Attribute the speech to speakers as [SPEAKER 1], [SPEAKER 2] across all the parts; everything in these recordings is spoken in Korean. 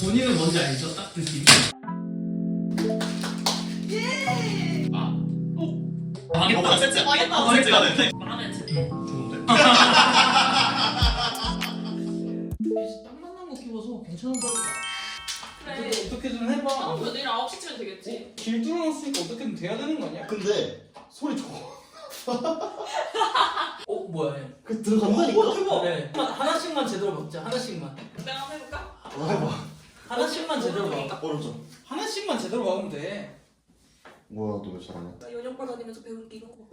[SPEAKER 1] 본인은 뭔지 알죠? 딱 느낌이.
[SPEAKER 2] 예.
[SPEAKER 1] 아. 망했다.
[SPEAKER 2] 세트.
[SPEAKER 1] 망했다.
[SPEAKER 2] 세트가 됐네.
[SPEAKER 3] 마음에 안 드.
[SPEAKER 2] 좋은데?
[SPEAKER 1] 딱 만난 거 끼워서 괜찮은 거 같아.
[SPEAKER 3] 그래.
[SPEAKER 1] 어떻게든 해봐.
[SPEAKER 3] 처음부터 내일 9시쯤엔 되겠지.
[SPEAKER 1] 길 뚫어놨으니까 어떻게든 돼야 되는 거 아니야?
[SPEAKER 2] 근데 소리 좋아.
[SPEAKER 1] 뭐야 얘?
[SPEAKER 2] 그 들어간다니까?
[SPEAKER 1] 대박. 네. 하나씩만 제대로 먹자. 하나씩만.
[SPEAKER 3] 내가 한번 해볼까?
[SPEAKER 2] 해봐.
[SPEAKER 1] 하나씩만 제대로 먹자.
[SPEAKER 2] 어렵죠?
[SPEAKER 1] 하나씩만 제대로 먹으면 돼.
[SPEAKER 2] 뭐야 너 왜 잘하냐?
[SPEAKER 3] 나 연영과 다니면서 배운 게 이런 거.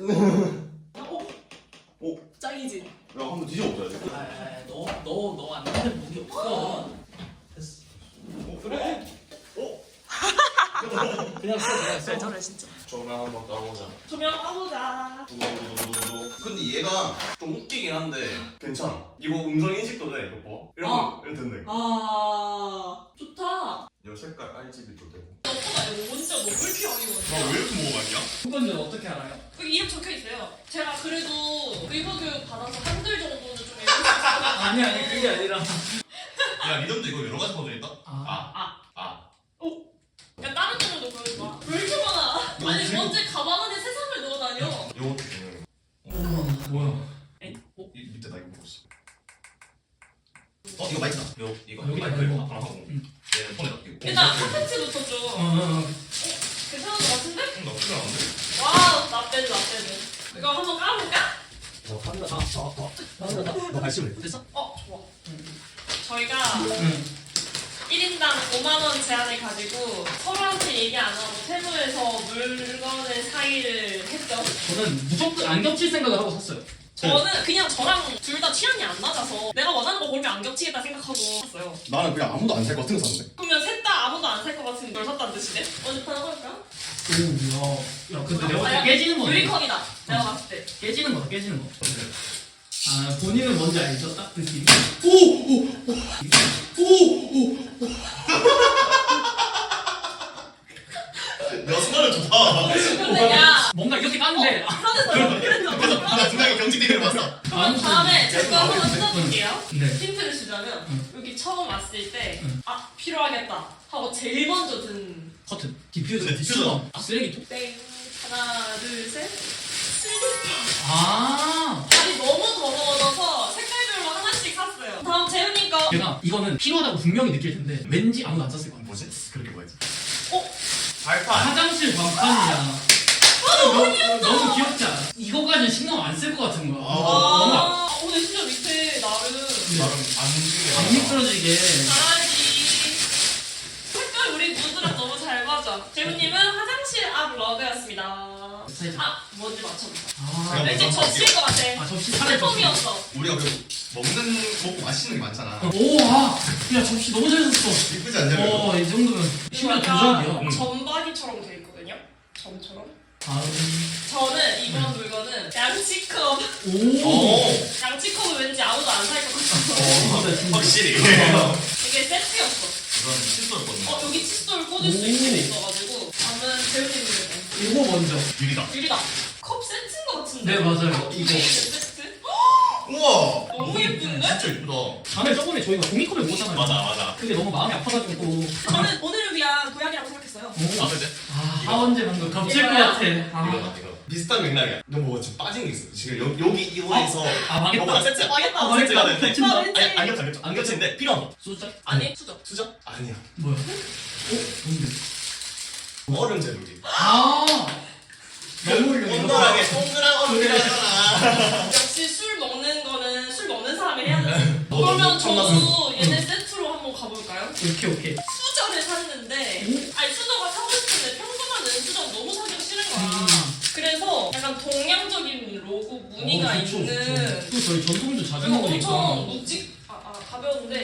[SPEAKER 2] 오.
[SPEAKER 3] 짱이지.
[SPEAKER 2] 야 한번 뒤져보자.
[SPEAKER 1] 너안 되는 무기 없어. 됐어. 그래. 그냥 써.
[SPEAKER 3] 저래 진짜.
[SPEAKER 2] 조명 한번 따보자.
[SPEAKER 3] 조명하보자.
[SPEAKER 2] 근데 얘가 좀 웃기긴 한데 괜찮아. 이거 음성 인식도 돼. 이거 봐. 이런 거 이렇게 된다.
[SPEAKER 3] 아 좋다.
[SPEAKER 2] 이 색깔 RGB도 되고.
[SPEAKER 3] 너보다 이거 진짜 너무 이렇게 많이 먹었어.
[SPEAKER 2] 나 왜 이렇게 먹어봤냐?
[SPEAKER 1] 그건데 어떻게 알아요?
[SPEAKER 3] 여기 이름 적혀 있어요. 제가 그래도 의무 교육 받아서 한글 정도는 좀 읽을 수 있어요.
[SPEAKER 1] 아니 그게 아니라.
[SPEAKER 2] 야 리듬도 이거 여러 가지 버전 있다?
[SPEAKER 3] 야 다른 데도 보여줘. 왜 이렇게 많아? 아니
[SPEAKER 2] 지금-
[SPEAKER 3] 언제 가방 안에 세상을 넣어 다녀?
[SPEAKER 2] 요것도 중요해.
[SPEAKER 1] 뭐야?
[SPEAKER 2] 이 밑에 나 이거 보고 있어. 이거 마이크다. 이거
[SPEAKER 1] 여기
[SPEAKER 2] 마이크
[SPEAKER 1] 이거.
[SPEAKER 2] 이거 하고 얘는 폰에 넣기고.
[SPEAKER 3] 일단 콘텐츠부터 좀 괜찮은 것 같은데?
[SPEAKER 2] 나쁘지 않은데?
[SPEAKER 3] 와우 나빼드. 이거 한번 까볼까?
[SPEAKER 2] 너 발심을 해.
[SPEAKER 1] 됐어?
[SPEAKER 3] 좋아. 저희가 1인당 5만원 제한을 가지고 서로한테 얘기 안 하고 세무에서 물건의 사이를 했죠.
[SPEAKER 1] 저는 무조건 안 겹칠 생각을 하고 샀어요.
[SPEAKER 3] 저는 그냥 저랑 둘 다 취향이 안 맞아서 내가 원하는 거 고르면 안 겹치겠다 생각하고 샀어요.
[SPEAKER 2] 나는 그냥 아무도 안 살 것 같은 거 샀는데.
[SPEAKER 3] 그러면 셋 다 아무도 안 살 것 같은 걸 샀다는 뜻이네? 어디 하나 볼까?
[SPEAKER 1] 오, 야, 근데 내가 봤을 때 깨지는 거네.
[SPEAKER 3] 유리컵이다. 내가 봤을 때.
[SPEAKER 1] 깨지는 거다, 깨지는 거. 아, 본인은 뭔지 알죠? 딱 느낌이.
[SPEAKER 2] 야 순간은 좋다.
[SPEAKER 3] 근데 야
[SPEAKER 1] 뭔가 이렇게 까는데.
[SPEAKER 3] 그래서
[SPEAKER 2] 나 중간에 경직되기를 봤어.
[SPEAKER 3] 다음에 제가 한번 뜯어볼게요.
[SPEAKER 1] 네.
[SPEAKER 3] 힌트를 주자면 여기 처음 왔을 때 필요하겠다 하고 제일 먼저 든
[SPEAKER 1] 커튼. 디퓨저.
[SPEAKER 2] 네, 디퓨저.
[SPEAKER 1] 수건. 쓰레기통.
[SPEAKER 3] 땡. 하나 둘셋 슬리퍼.
[SPEAKER 1] 아.
[SPEAKER 3] 발이 너무 더러워져서 색깔별로 하나씩 샀어요. 다음 재훈이 거.
[SPEAKER 1] 내가 이거는 필요하다고 분명히 느낄 텐데 왠지 아무도 안 샀을 거야.
[SPEAKER 2] 뭐지? 그렇게 뭐였지?
[SPEAKER 3] 어?
[SPEAKER 2] 발판.
[SPEAKER 1] 화장실 광판이야. 너무 귀엽지 않아? 이거까지 신경 안 쓸 것 같은 거야. 뭔가
[SPEAKER 3] 근데 진짜 밑에 나름
[SPEAKER 2] 나름 안 움직여.
[SPEAKER 1] 안 미끄러지게.
[SPEAKER 3] 잘하지. 색깔 우리 누드랑 너무 잘 맞아. 재훈님은 화장실 앞 러그였습니다. 뭔지 맞춰보자.
[SPEAKER 1] 아,
[SPEAKER 3] 왠지 접시일 것 같아.
[SPEAKER 1] 접시 차례 접시.
[SPEAKER 3] 슬픔이었어.
[SPEAKER 2] 우리가 그리고 먹고 마시는 게 많잖아.
[SPEAKER 1] 오, 야 접시 너무 잘 샀어.
[SPEAKER 2] 이쁘지 않냐?
[SPEAKER 1] 이 정도면 심지어 도전이야.
[SPEAKER 3] 점박이처럼 돼 있거든요. 점처럼.
[SPEAKER 1] 다음.
[SPEAKER 3] 저는 이번 물건은 양치컵.
[SPEAKER 1] 오.
[SPEAKER 3] 양치컵은 왠지 아무도 안 살 것 같아서.
[SPEAKER 2] 확실히.
[SPEAKER 3] 이게 세트였어.
[SPEAKER 2] 이건 칫솔거든요.
[SPEAKER 3] 여기 칫솔 꽂을 수 있는 게 있어가지고. 저는 재훈님 물건.
[SPEAKER 1] 이거 먼저.
[SPEAKER 2] 유리다.
[SPEAKER 3] 유리다. 컵 세트인 것 같은데.
[SPEAKER 1] 네 맞아요. 이거.
[SPEAKER 3] 세트?
[SPEAKER 2] 우와.
[SPEAKER 3] 너무 예쁜데?
[SPEAKER 2] 진짜 예쁘다.
[SPEAKER 1] 다음에 저번에 저희가 종이컵을 먹었잖아요.
[SPEAKER 2] 맞아.
[SPEAKER 1] 그게 너무 마음이 아파가지고.
[SPEAKER 3] 저는 오늘을 위한 보약이라고 생각했어요.
[SPEAKER 2] 아 그지?
[SPEAKER 1] 하원재 방금 겹칠 것
[SPEAKER 3] 이거야?
[SPEAKER 1] 같아.
[SPEAKER 2] 이거 비슷한 맥락이야. 너 뭐 지금 빠진 게 있어. 지금 여기 이거에서
[SPEAKER 1] 망했다.
[SPEAKER 2] 이거보다 세트.
[SPEAKER 3] 망했다.
[SPEAKER 2] 세트가 되는데.
[SPEAKER 1] 겹친다.
[SPEAKER 2] 안 겹쳐. 안 겹치는데 필요한 거.
[SPEAKER 1] 숫자?
[SPEAKER 3] 아니 수저.
[SPEAKER 2] 수저? 아니야.
[SPEAKER 1] 뭐야? 뭔데?
[SPEAKER 2] 얼음 재료기.
[SPEAKER 1] 너무 훌륭해.
[SPEAKER 2] 동그랗게 동그란 얼음 재료잖아.
[SPEAKER 3] 역시 술 먹는 거는 술 먹는 사람이 해야 돼. 그러면 저도 얘네 세트로 한번 가볼까요?
[SPEAKER 1] 오케이.
[SPEAKER 3] 수저를 샀는데 아니 수저가 사고 싶은데 평소만 는 수저 너무 사기가 싫은 거야. 그래서 약간 동양적인 로고 무늬가 있는
[SPEAKER 1] 또 저희 전통주 자주
[SPEAKER 3] 그리고
[SPEAKER 1] 먹으니까.
[SPEAKER 3] 엄청 가벼운데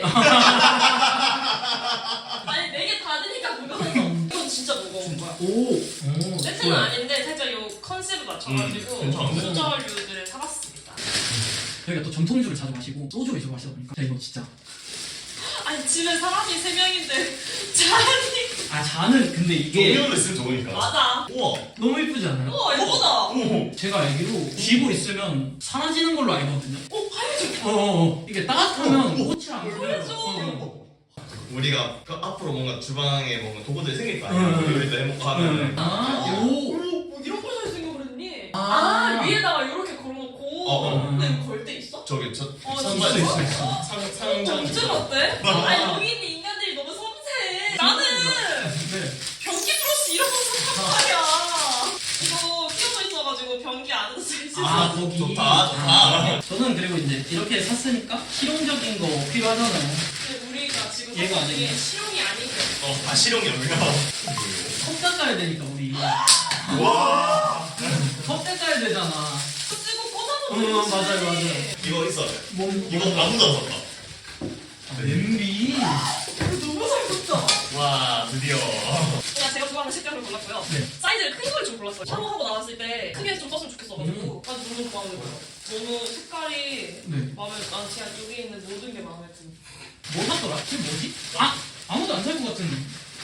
[SPEAKER 3] 아니 4개 다 드니까 무거웠어. 이건 진짜 무거운 거야.
[SPEAKER 1] 오.
[SPEAKER 3] 세트는
[SPEAKER 1] 좋아요.
[SPEAKER 3] 아닌데 살짝 요 컨셉을 맞춰가지고
[SPEAKER 2] 괜찮은데?
[SPEAKER 3] 수저류들을 사봤습니다.
[SPEAKER 1] 저희가 또 전통주를 자주 마시고 소주 위주로 마시다 보니까 이거 진짜.
[SPEAKER 3] 아니 집에 사람이 3명인데 잔이
[SPEAKER 1] 잔은 근데 이게
[SPEAKER 2] 동료로 있으면 좋으니까.
[SPEAKER 3] 맞아.
[SPEAKER 2] 우와.
[SPEAKER 1] 너무 예쁘지 않아요?
[SPEAKER 3] 우와 예쁘다.
[SPEAKER 2] 오.
[SPEAKER 1] 제가 알기로 쥐고 있으면 사라지는 걸로 알거든요.
[SPEAKER 3] 하얘져.
[SPEAKER 1] 이게 따뜻하면 꽃이랑
[SPEAKER 3] 하얘져.
[SPEAKER 2] 우리가 그 앞으로 뭔가 주방에 뭔가 도구들이 생길 거 아니야. 요리도 해먹고 하면.
[SPEAKER 3] 뭐 이런 걸 살 생각을 했니? 위에다가 이렇게 걸어놓고 근데 이거 걸 때 있어?
[SPEAKER 2] 저기 저
[SPEAKER 1] 선반 있어.
[SPEAKER 3] 정말 어때? 아니 여기 있는 인간들이 너무 섬세해. 나는 변기 플러스 이런 거 샀단 말이야. 이거 끼워져 있어가지고 변기 안에서 쓸 수 있어.
[SPEAKER 1] 거기.
[SPEAKER 2] 좋다.
[SPEAKER 1] 저는 그리고 이제 이렇게 샀으니까 실용적인 거 필요하잖아요.
[SPEAKER 3] 근데 우리가 지금
[SPEAKER 1] 얘가
[SPEAKER 3] 사실
[SPEAKER 1] 아니네.
[SPEAKER 3] 실용이 아닌 게
[SPEAKER 2] 실용이 없냐?
[SPEAKER 1] 컵 닦아야 되니까 우리.
[SPEAKER 2] 와.
[SPEAKER 1] 컵 닦아야 되잖아.
[SPEAKER 3] 쓰고 꽂아놓는 거지.
[SPEAKER 1] 맞아요.
[SPEAKER 2] 이거 있어.
[SPEAKER 1] 뭐
[SPEAKER 2] 이거 아무도 안 샀다.
[SPEAKER 1] 냄비.
[SPEAKER 3] 이거 너무 잘 꽂죠?
[SPEAKER 2] 와 드디어.
[SPEAKER 3] 그냥 제가 좋아하는 색깔을 골랐고요.
[SPEAKER 1] 네.
[SPEAKER 3] 사이즈를 큰 걸 좀 골랐어요. 샤워하고 나왔을 때 크게 좀 썼으면 좋겠어가지고 난 너무 마음에 들어요. 너무 색깔이
[SPEAKER 1] 네.
[SPEAKER 3] 마음에 난 그냥 여기 있는 모든 게 마음에 든.
[SPEAKER 1] 뭐 샀더라? 그게 뭐지? 아무도 안 살 것 같은데.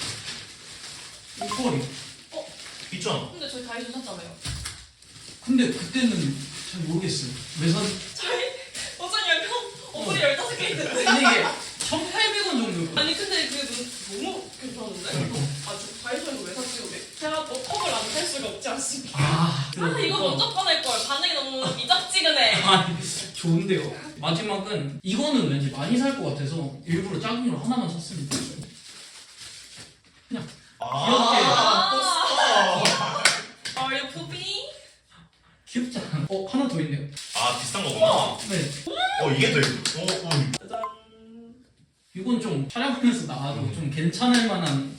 [SPEAKER 1] 목걸이.
[SPEAKER 2] 있잖아.
[SPEAKER 3] 근데 저희 다이소 샀잖아요.
[SPEAKER 1] 근데 그때는 잘 모르겠어요. 왜 산?
[SPEAKER 3] 저희 어쩌냐면 어플이 15개 있는데.
[SPEAKER 1] 근데 이게 1,800원 정도.
[SPEAKER 3] 아니 근데 그게 너무 괜찮은데? 저 다이소에서 왜 샀지 우리? 제가 또 컵을 안 살 수가 없지 않습니까? 이거 먼저 꺼낼걸. 반응이 너무 미적지근해.
[SPEAKER 1] 좋은데요. 마지막은 이거는 왠지 많이 살 것 같아서 일부러 작은 걸 하나만 샀습니다. 그냥
[SPEAKER 3] Are you pooping?
[SPEAKER 1] 귀엽지 않아? 하나 더 있네요.
[SPEAKER 2] 비싼 거구나.
[SPEAKER 1] 네.
[SPEAKER 2] 이게 더 있어.
[SPEAKER 3] 짜잔.
[SPEAKER 1] 이건 좀 촬영하면서 나와도 좀 괜찮을 만한.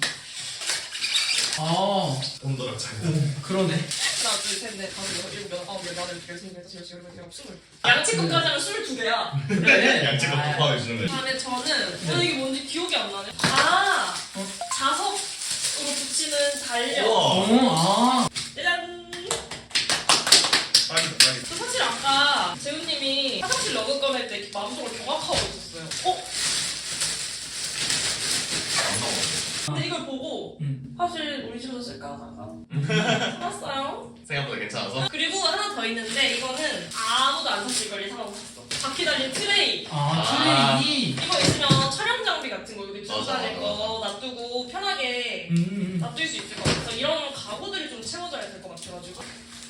[SPEAKER 2] 온도랑 차이.
[SPEAKER 1] 그러네.
[SPEAKER 3] 하나, 둘, 셋, 넷, 다섯, 여섯, 일곱, 여덟, 아홉, 열, 열하나, 열둘, 열셋, 열넷, 다섯, 여섯, 일곱, 스물. 양치국까지 하면 22개야.
[SPEAKER 1] 그래.
[SPEAKER 2] 양치가
[SPEAKER 1] 아,
[SPEAKER 2] 곱하기 주는데.
[SPEAKER 3] 다음에 저는
[SPEAKER 1] 네.
[SPEAKER 3] 이게 뭔지 기억이 안 나네. 자석으로 붙이는 달력.
[SPEAKER 2] 우와.
[SPEAKER 3] 짜잔.
[SPEAKER 2] 빨리.
[SPEAKER 3] 사실 아까 재훈님이 화장실 러그 꺼낼 때 마음속으로 경악하고 있었어요. 근데 이걸 보고 사실 우리 집에서 쓸까 하다가 샀어요.
[SPEAKER 2] 생각보다 괜찮아서.
[SPEAKER 3] 그리고 하나 더 있는데 이거는 아무도 안 샀을 걸 예상하고 샀어. 바퀴 달린 트레이.
[SPEAKER 1] 트레이.
[SPEAKER 3] 이거 있으면 촬영 장비 같은 거 여기 두고
[SPEAKER 2] 맞아,
[SPEAKER 3] 다닐 거 놔두고 편하게 놔둘 수 있을 것 같아서 이런 가구들이 좀 채워져야 될 것 같아가지고.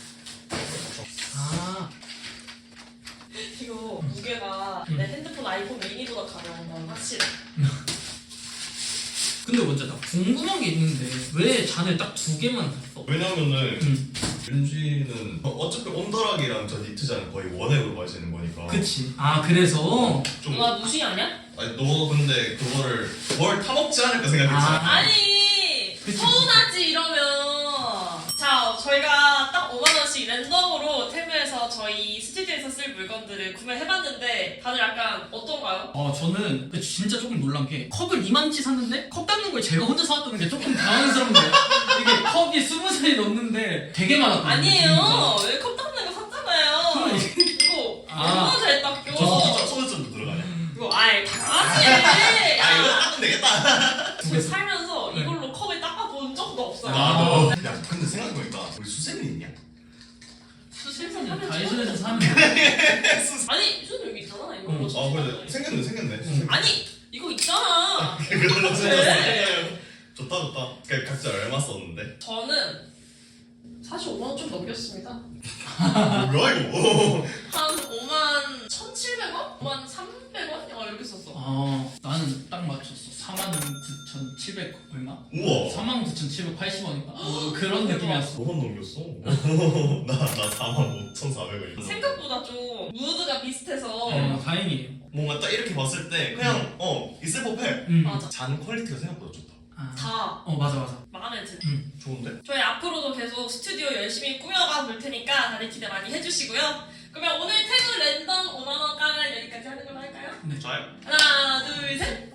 [SPEAKER 3] 이거 무게가 내 핸드폰 아이폰 미니보다 가벼운 건 확실해.
[SPEAKER 1] 근데 먼저 나 궁금한 게 있는데 왜 잔을 딱 2개만 샀어?
[SPEAKER 2] 왜냐면은 윤지는 어차피 온더락이랑 저 니트장은 거의 원액으로 마시는 거니까.
[SPEAKER 1] 그치. 그래서
[SPEAKER 2] 좀.
[SPEAKER 3] 너 무시 아니야?
[SPEAKER 2] 아니 너 근데 그거를 뭘 타먹지 않을까 생각했잖아.
[SPEAKER 3] 아니
[SPEAKER 1] 그치.
[SPEAKER 3] 서운하지 이러면. 자 저희가 딱 5만원씩 랜덤으로 테무에서 저희 스튜디오에서 쓸 물건들을 구매해봤는데 다들 약간 어떤가요?
[SPEAKER 1] 저는 진짜 조금 놀란 게 컵을 이만치 샀는데 컵 닦는 걸 제가 혼자 사왔다는 게 조금 당황스럽네요. 이게 컵이 20살이 넘는데 되게 많았거든요.
[SPEAKER 3] 아니에요. 왜 컵 닦는 거 샀잖아요. 이거 얼마나 잘 닦여.
[SPEAKER 2] 저 소주점도 들어가냐?
[SPEAKER 3] 이거 당연하지.
[SPEAKER 2] 이거 닦으면 되겠다.
[SPEAKER 3] 저 살면서 이걸로 컵을 닦아본 적도 없어요.
[SPEAKER 2] 나도. 야 근데 생각해보니까 우리 수세미 있냐?
[SPEAKER 1] 수세미는 다이소에서 사면
[SPEAKER 3] 아니 수는 여기 있잖아. 이걸로.
[SPEAKER 2] 그래 생겼네.
[SPEAKER 3] 아니 이거 있잖아.
[SPEAKER 2] 그걸로
[SPEAKER 3] 네.
[SPEAKER 2] 좋다. 그 각자 얼마 썼는데?
[SPEAKER 3] 저는 사실 5만원 좀 넘겼습니다.
[SPEAKER 2] 뭐야 이거?
[SPEAKER 3] 한 5만 1,700원? 5만 300원? 이렇게 썼어.
[SPEAKER 1] 나는 딱 맞췄어. 49,700 얼마?
[SPEAKER 2] 우와.
[SPEAKER 1] 49,780원인가? 그런 느낌이었어.
[SPEAKER 2] 너만 넘겼어. 나 45,400원.
[SPEAKER 3] 생각보다 좀 무드가 비슷해서
[SPEAKER 1] 다행이에요.
[SPEAKER 2] 뭔가 딱 이렇게 봤을 때 그냥 있을 법해.
[SPEAKER 3] 맞아.
[SPEAKER 2] 잔 퀄리티가 생각보다 좋다.
[SPEAKER 3] 다
[SPEAKER 1] 맞아.
[SPEAKER 3] 마음에 드네.
[SPEAKER 2] 좋은데?
[SPEAKER 3] 저희 앞으로도 계속 스튜디오 열심히 꾸며가 볼 테니까 다들 기대 많이 해주시고요. 그러면 오늘 태그 랜덤 5만원 깡을 여기까지 하는 걸로 할까요?
[SPEAKER 2] 좋아요.
[SPEAKER 3] 하나 둘 셋.